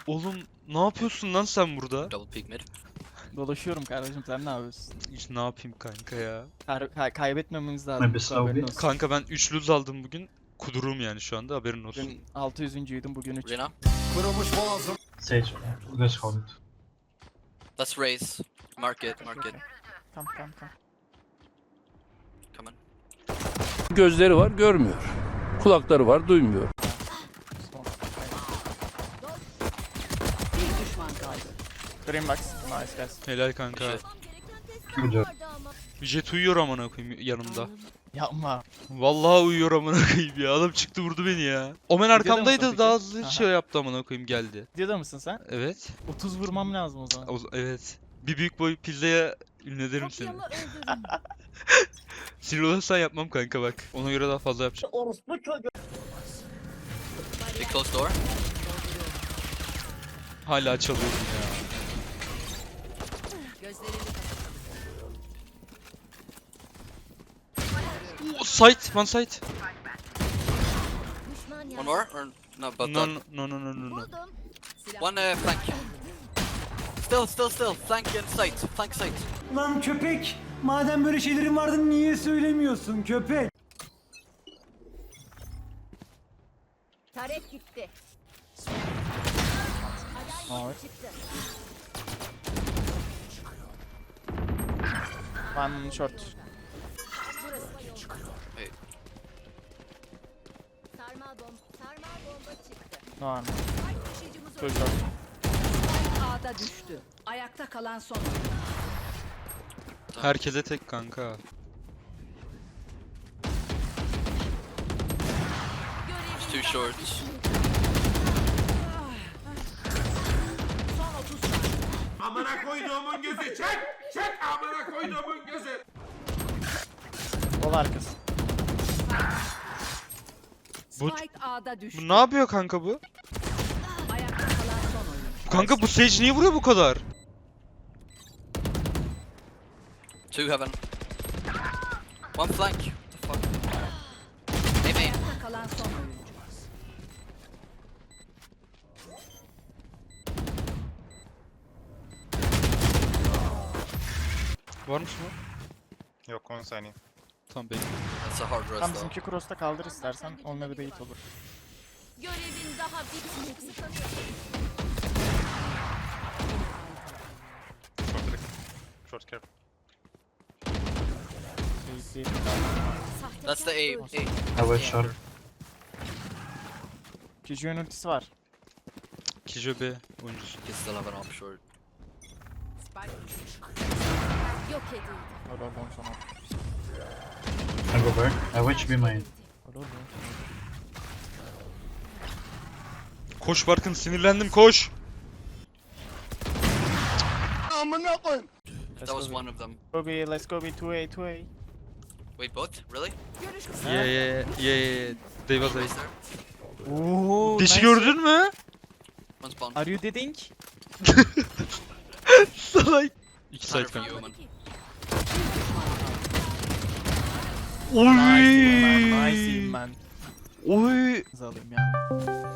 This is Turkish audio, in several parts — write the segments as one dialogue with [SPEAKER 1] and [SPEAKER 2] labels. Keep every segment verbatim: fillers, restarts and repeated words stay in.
[SPEAKER 1] Oğlum ne yapıyorsun lan sen burada?
[SPEAKER 2] Double peek mid.
[SPEAKER 3] Dolaşıyorum kardeşim, sen ne yapıyorsun?
[SPEAKER 1] Hiç ne yapayım kanka ya.
[SPEAKER 3] Kay kay kaybetmememiz lazım.
[SPEAKER 4] Maybe
[SPEAKER 3] bu
[SPEAKER 4] slow
[SPEAKER 3] haberin
[SPEAKER 4] bit.
[SPEAKER 3] olsun.
[SPEAKER 1] Kanka ben üç lose aldım bugün. Kudurum yani şu anda, haberin olsun.
[SPEAKER 3] Bugün altı yüzüncüydüm, bugün üç.
[SPEAKER 2] Reyna.
[SPEAKER 4] Sage, you guys hold it.
[SPEAKER 2] Let's raise. Mark it, mark it.
[SPEAKER 3] Tamam tamam tamam.
[SPEAKER 2] Come on.
[SPEAKER 5] Gözleri var, görmüyor. Kulakları var, duymuyor.
[SPEAKER 3] Son.
[SPEAKER 6] Bir düşman kaldı.
[SPEAKER 3] Green box. Nice guys.
[SPEAKER 1] Helal kanka.
[SPEAKER 2] Jet.
[SPEAKER 4] Good job.
[SPEAKER 1] Jet uyuyor amına koyayım yanımda.
[SPEAKER 3] Yapma.
[SPEAKER 1] Vallahi uyuyor amına koyayım ya. Adam çıktı vurdu beni ya. Omen
[SPEAKER 3] mısın
[SPEAKER 1] arkamdaydı,
[SPEAKER 3] peki?
[SPEAKER 1] daha hızlı
[SPEAKER 3] Aha.
[SPEAKER 1] şey yaptı amına koyayım, geldi.
[SPEAKER 3] Videoda mısın sen?
[SPEAKER 1] Evet.
[SPEAKER 3] otuz vurmam lazım o zaman.
[SPEAKER 1] O, evet. Bir büyük boy pizzaya ünlederim seni. Sinir olursan yapmam kanka bak. Ona göre daha fazla yapacağım.
[SPEAKER 2] Big close door.
[SPEAKER 1] Hala çalıyorsun ya.
[SPEAKER 6] Gözlerini
[SPEAKER 1] Oh, site, one site.
[SPEAKER 2] One more? Or no, but
[SPEAKER 1] No,
[SPEAKER 2] done.
[SPEAKER 1] no, no, no, no, no.
[SPEAKER 2] One uh, flank. Still, still, still. Flank and sight. Flank sight.
[SPEAKER 7] Lan köpek! Madem böyle şeylerin vardı niye söylemiyorsun köpek?
[SPEAKER 6] Taret gitti.
[SPEAKER 3] Evet. One short.
[SPEAKER 2] Wait.
[SPEAKER 6] Sarmal bomba, sarmal bomba çıktı.
[SPEAKER 3] No one.
[SPEAKER 6] Taşıyıcımız
[SPEAKER 3] Two short.
[SPEAKER 6] A'da düştü. Ayakta kalan son.
[SPEAKER 1] Herkese tek kanka.
[SPEAKER 2] It's too short.
[SPEAKER 6] Son otuz saniye.
[SPEAKER 8] Amına koyduğumun gözü çek! Çek amına koyduğumun gözü!
[SPEAKER 3] Kol arkası.
[SPEAKER 1] Bu-
[SPEAKER 6] Spike A'da düştü.
[SPEAKER 1] Bu ne yapıyor kanka bu?
[SPEAKER 6] Ayakta kalan son oyuncu.
[SPEAKER 1] Kanka bu Sage niye vuruyor bu kadar?
[SPEAKER 2] Two heaven. One flank. What the fuck? Hey, main.
[SPEAKER 6] Ayakta kalan son oyuncu.
[SPEAKER 1] Varmış mı?
[SPEAKER 9] Yok on saniye.
[SPEAKER 1] Tamam bekle.
[SPEAKER 2] That's a hard
[SPEAKER 3] Tam
[SPEAKER 2] rest though.
[SPEAKER 3] bizimki cross'ta kaldır istersen. Onunla bir bait olur.
[SPEAKER 6] Görevin daha bitmedi.
[SPEAKER 9] Short direkt. Short care.
[SPEAKER 3] Bait değil.
[SPEAKER 2] That's the A. A.
[SPEAKER 4] I wait short.
[SPEAKER 3] Kiju'nun ultisi var.
[SPEAKER 1] Kijo B oyuncusu.
[SPEAKER 2] You still have an op short.
[SPEAKER 6] Yok edildi.
[SPEAKER 3] Lol lol lol sana.
[SPEAKER 4] I go back. I watch B main.
[SPEAKER 3] Lol lol.
[SPEAKER 1] Koş Barkın, sinirlendim, koş.
[SPEAKER 3] Let's
[SPEAKER 2] That was
[SPEAKER 3] go
[SPEAKER 2] one of them.
[SPEAKER 3] Go B, let's go B, two A, two A.
[SPEAKER 2] Wait, both? Really?
[SPEAKER 6] Görüş kısa.
[SPEAKER 1] Yeah yeah yeah yeah. They was
[SPEAKER 2] Raise
[SPEAKER 1] A.
[SPEAKER 2] there.
[SPEAKER 3] Ooo.
[SPEAKER 1] Dişi gördün mü?
[SPEAKER 2] One spawn.
[SPEAKER 3] Are you deading?
[SPEAKER 1] Salak. İki side
[SPEAKER 2] Hunter for
[SPEAKER 1] kanka.
[SPEAKER 2] you, man.
[SPEAKER 3] Nice man,
[SPEAKER 1] Oy.
[SPEAKER 3] nice man.
[SPEAKER 1] Oy.
[SPEAKER 3] Kız alayım ya.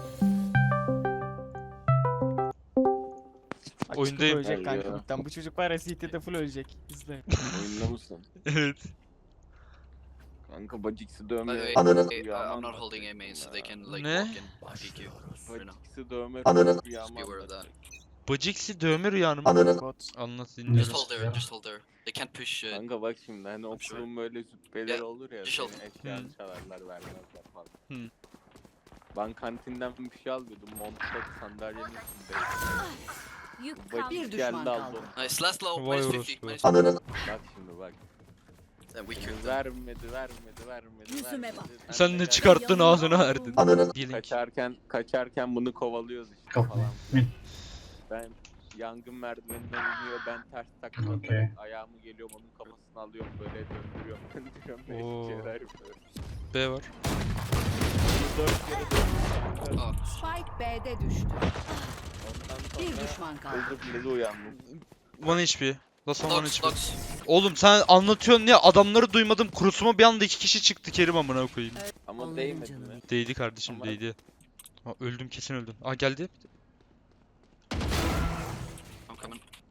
[SPEAKER 3] Bak
[SPEAKER 1] Oyundayım.
[SPEAKER 3] çıkıp ölecek
[SPEAKER 5] Gel
[SPEAKER 3] kanka
[SPEAKER 5] ya.
[SPEAKER 3] midden. Bu çocuk var ya C T'de full ölecek. İzle.
[SPEAKER 5] Oyunda mısın?
[SPEAKER 1] Evet.
[SPEAKER 5] Kanka Bacix'i
[SPEAKER 2] By the
[SPEAKER 5] dövme.
[SPEAKER 2] way, uh, I'm not holding A main, so they can like
[SPEAKER 1] Ne?
[SPEAKER 2] walk in and peek you. For now.
[SPEAKER 5] Bacix'i dövme.
[SPEAKER 2] Just be aware of that.
[SPEAKER 1] Baciksi dövme rüyanım.
[SPEAKER 3] Bot.
[SPEAKER 1] Anlat,
[SPEAKER 2] Just
[SPEAKER 1] dinliyorum.
[SPEAKER 2] hold there, just hold there. They can't push uh,
[SPEAKER 5] Kanka bak şimdi hani okulun böyle züppeleri
[SPEAKER 2] Ya,
[SPEAKER 5] olur ya.
[SPEAKER 2] diş
[SPEAKER 5] Senin
[SPEAKER 2] oldu.
[SPEAKER 5] eşyanı
[SPEAKER 1] Hı.
[SPEAKER 5] çalarlar vermezler falan.
[SPEAKER 1] Hı.
[SPEAKER 5] Ben kantinden bir şey alıyordum. Montta sandalyenin üstünde.
[SPEAKER 6] Yük kaldı.
[SPEAKER 5] Bacix
[SPEAKER 6] Bir düşman
[SPEAKER 5] geldi aldı
[SPEAKER 6] kaldı.
[SPEAKER 5] onu.
[SPEAKER 2] nice. Last low,
[SPEAKER 1] Vay
[SPEAKER 2] minus
[SPEAKER 1] orospu.
[SPEAKER 2] fifty, minus
[SPEAKER 5] Bak şimdi bak.
[SPEAKER 2] And we killed them.
[SPEAKER 5] Vermedi vermedi vermedi.
[SPEAKER 6] Yüzüme
[SPEAKER 5] vermedi.
[SPEAKER 6] bak.
[SPEAKER 5] Ben
[SPEAKER 1] Sen
[SPEAKER 5] de
[SPEAKER 1] ne
[SPEAKER 5] geldim.
[SPEAKER 1] çıkarttın ağzına verdin. Diyelim ki.
[SPEAKER 5] Kaçarken kaçarken bunu kovalıyoruz işte
[SPEAKER 4] Go
[SPEAKER 5] falan.
[SPEAKER 4] mid.
[SPEAKER 5] Ben yangın merdiveninden iniyor, ben ters takla
[SPEAKER 4] Okey.
[SPEAKER 5] atarak ayağımı geliyorum, onun kafasını alıyorum, böyle döndürüyorum, döndürüyorum, beş
[SPEAKER 1] Oo.
[SPEAKER 5] şeyler yapıyorum.
[SPEAKER 1] B var.
[SPEAKER 5] Dört kere döndürdüm.
[SPEAKER 2] Oh,
[SPEAKER 6] Spike B'de düştü.
[SPEAKER 5] Ondan
[SPEAKER 6] Bir
[SPEAKER 5] sonra
[SPEAKER 6] düşman kaldı.
[SPEAKER 5] öldür bile uyandım.
[SPEAKER 1] One H P. Last one one
[SPEAKER 2] Dogs,
[SPEAKER 1] H P.
[SPEAKER 2] dogs.
[SPEAKER 1] Oğlum sen anlatıyorsun ya, adamları duymadım. Kurusuma bir anda iki kişi çıktı, Kerim amına koyayım.
[SPEAKER 5] Ama
[SPEAKER 6] Allah'ım
[SPEAKER 5] değmedi
[SPEAKER 6] canım.
[SPEAKER 5] mi?
[SPEAKER 1] Değdi kardeşim,
[SPEAKER 5] Ama-
[SPEAKER 1] değdi. Ha, öldüm, kesin öldüm. Aa geldi.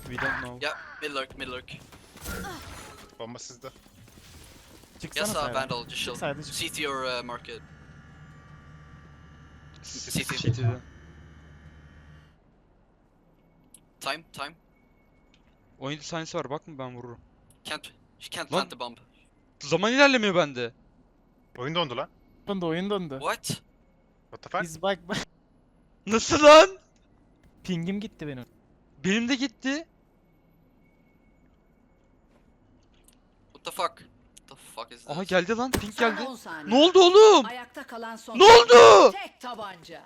[SPEAKER 1] We don't know.
[SPEAKER 2] Yeah, mid lurk, mid lurk.
[SPEAKER 9] Bomba sizde.
[SPEAKER 3] Çıksana
[SPEAKER 2] Yes, uh,
[SPEAKER 3] sayda.
[SPEAKER 2] Vandal, just chill.
[SPEAKER 3] Sayda çık.
[SPEAKER 2] C T or uh, market. C T.
[SPEAKER 1] City'de.
[SPEAKER 2] Time, time.
[SPEAKER 1] Oyunda sahnesi var, bakma ben vururum.
[SPEAKER 2] Can't, she can't
[SPEAKER 1] Lan-
[SPEAKER 2] plant the bomb.
[SPEAKER 1] Zaman ilerlemiyor bende.
[SPEAKER 9] Oyun dondu lan.
[SPEAKER 3] Döndü oyun döndü.
[SPEAKER 2] What?
[SPEAKER 9] What the fuck?
[SPEAKER 3] Biz bak bak.
[SPEAKER 1] Nasıl lan?
[SPEAKER 3] Pingim gitti benim.
[SPEAKER 1] Benim de gitti.
[SPEAKER 2] What the fuck? What the fuck is this?
[SPEAKER 1] Aha geldi lan, pink
[SPEAKER 6] Son
[SPEAKER 1] geldi.
[SPEAKER 6] on saniye.
[SPEAKER 1] Ne oldu oğlum?
[SPEAKER 6] Ayakta kalan son.
[SPEAKER 1] Ne oldu?
[SPEAKER 6] Tek tabanca.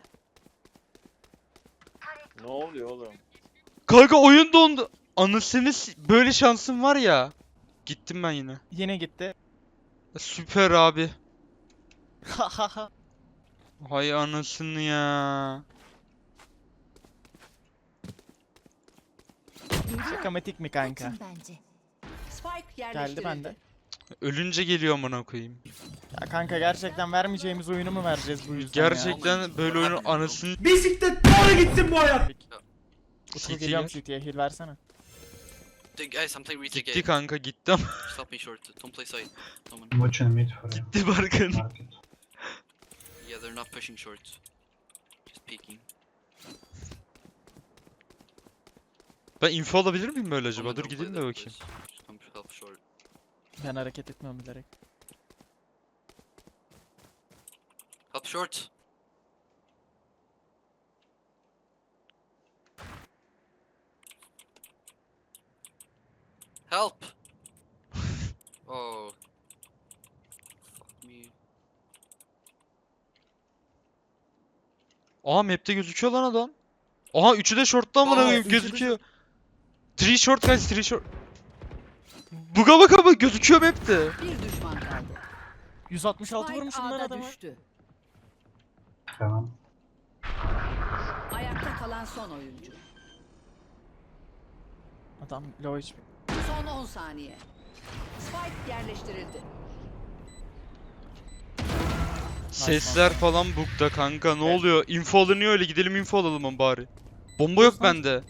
[SPEAKER 5] Ne oluyor oğlum?
[SPEAKER 1] Kanka oyun dondu. Anasını s- böyle şansım var ya. Gittim ben yine.
[SPEAKER 3] Yine gitti.
[SPEAKER 1] Süper abi.
[SPEAKER 3] Ha ha ha.
[SPEAKER 1] Hay anasını ya.
[SPEAKER 3] Şakamatik mi kanka?
[SPEAKER 6] Spike
[SPEAKER 3] Geldi
[SPEAKER 6] yerleştirildi.
[SPEAKER 3] bende.
[SPEAKER 1] Ölünce geliyor amına koyayım.
[SPEAKER 3] Ya kanka gerçekten vermeyeceğimiz oyunu mu vereceğiz bu yüzden ya?
[SPEAKER 1] Gerçekten böyle oyunun anasını
[SPEAKER 7] Bisiklet doğru gitsin bu hayat.
[SPEAKER 3] Utku
[SPEAKER 1] C T
[SPEAKER 3] geliyorum
[SPEAKER 1] gel.
[SPEAKER 3] C T'ye heal versene.
[SPEAKER 2] Dude, guys, I'm playing retake
[SPEAKER 1] Gitti
[SPEAKER 2] A.
[SPEAKER 1] kanka gitti ama
[SPEAKER 2] Stop me short. Don't play side. Someone.
[SPEAKER 4] I'm watching mid for you.
[SPEAKER 1] gitti Barkın.
[SPEAKER 4] Market.
[SPEAKER 2] Yeah, they're not pushing short. Just peeking.
[SPEAKER 1] Ben info alabilir miyim böyle acaba?
[SPEAKER 2] Someone
[SPEAKER 1] Dur
[SPEAKER 2] don't
[SPEAKER 1] gideyim
[SPEAKER 2] play
[SPEAKER 1] de
[SPEAKER 2] that,
[SPEAKER 1] bakayım.
[SPEAKER 2] please. Just come help short.
[SPEAKER 3] Ben hareket etmiyorum bilerek.
[SPEAKER 2] Help short. Help! Oh. Fuck me.
[SPEAKER 1] Aa map'te gözüküyor lan adam. Aha üçü de short'ta amına
[SPEAKER 2] Aa,
[SPEAKER 1] koyayım
[SPEAKER 3] üçü de
[SPEAKER 1] gözüküyor. Three short guys, three short. Buga bak ama gözüküyor map'te.
[SPEAKER 6] Bir düşman kaldı.
[SPEAKER 3] yüz altmış altı
[SPEAKER 6] Spike
[SPEAKER 3] vurmuşum lan
[SPEAKER 6] A'da
[SPEAKER 3] adama.
[SPEAKER 6] düştü.
[SPEAKER 4] Tamam.
[SPEAKER 6] Ayakta kalan son oyuncu.
[SPEAKER 3] Adam low H P.
[SPEAKER 6] Son on saniye. Spike yerleştirildi.
[SPEAKER 1] Sesler falan bug'da kanka ne oluyor? Info alınıyor öyle, gidelim info alalım ama bari. Bomba yok bende.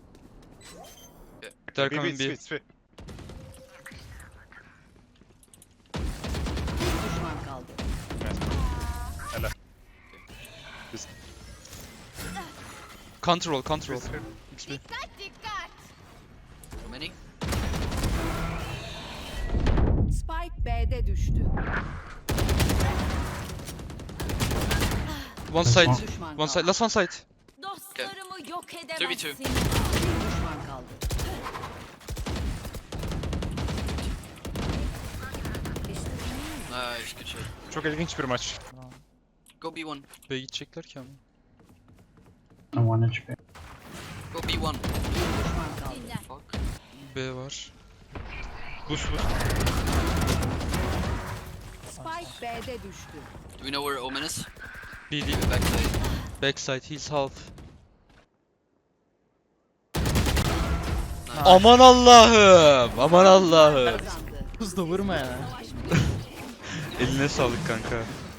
[SPEAKER 9] B,
[SPEAKER 1] They're
[SPEAKER 9] B,
[SPEAKER 1] coming
[SPEAKER 9] B,
[SPEAKER 1] B.
[SPEAKER 9] B.
[SPEAKER 6] Bir düşman kaldı.
[SPEAKER 1] Control, control. X P.
[SPEAKER 2] How many?
[SPEAKER 6] Spike B'de düştü.
[SPEAKER 1] One side.
[SPEAKER 6] Bir düşman
[SPEAKER 1] One
[SPEAKER 6] kaldı.
[SPEAKER 1] side. Last one side.
[SPEAKER 6] Dostlarımı yok
[SPEAKER 2] two v two.
[SPEAKER 6] edemezsin. Bir düşman kaldı.
[SPEAKER 2] Nice, good shot.
[SPEAKER 9] Çok ilginç bir maç.
[SPEAKER 2] Go B one.
[SPEAKER 1] B'ye gidecekler ki ama.
[SPEAKER 4] I'm one H P.
[SPEAKER 2] Go B one.
[SPEAKER 6] Düşman kaldı.
[SPEAKER 2] Fuck.
[SPEAKER 1] B var. Boost boost.
[SPEAKER 6] Spike B'de düştü.
[SPEAKER 2] Do we know where Omen is?
[SPEAKER 1] B değil.
[SPEAKER 2] Backside.
[SPEAKER 1] Backside. He's half.
[SPEAKER 2] Nice.
[SPEAKER 1] Aman Allah'ım. Aman Allah'ım.
[SPEAKER 6] Kazandı.
[SPEAKER 3] Hızla vurma ya.
[SPEAKER 1] Eline sağlık kanka.